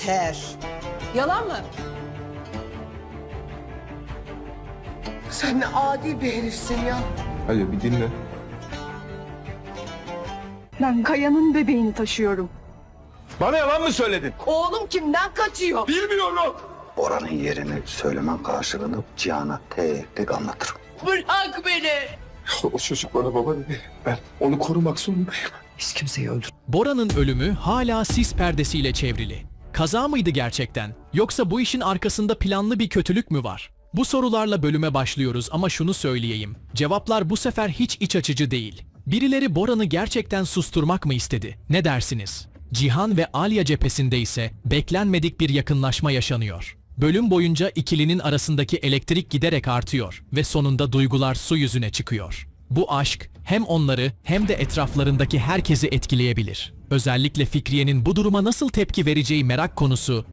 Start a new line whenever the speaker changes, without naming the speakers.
Yeter.
Yalan mı?
Sen ne adi bir herifsin ya.
Hadi bir dinle.
Ben Kaya'nın bebeğini taşıyorum.
Bana yalan mı söyledin?
Oğlum kimden kaçıyor?
Bilmiyorum.
Bora'nın yerini söylemen karşılığında Cihan'a tek tek anlatırım.
Bırak beni.
O çocuk bana baba dedi. Ben onu korumak zorundayım.
Hiç kimseyi öldür.
Bora'nın ölümü hala sis perdesiyle çevrili. Kaza mıydı gerçekten? Yoksa bu işin arkasında planlı bir kötülük mü var? Bu sorularla bölüme başlıyoruz ama şunu söyleyeyim. Cevaplar bu sefer hiç iç açıcı değil. Birileri Bora'nı gerçekten susturmak mı istedi? Ne dersiniz? Cihan ve Alya cephesinde ise beklenmedik bir yakınlaşma yaşanıyor. Bölüm boyunca ikilinin arasındaki elektrik giderek artıyor ve sonunda duygular su yüzüne çıkıyor. Bu aşk hem onları hem de etraflarındaki herkesi etkileyebilir. Özellikle Fikriye'nin bu duruma nasıl tepki vereceği merak konusu.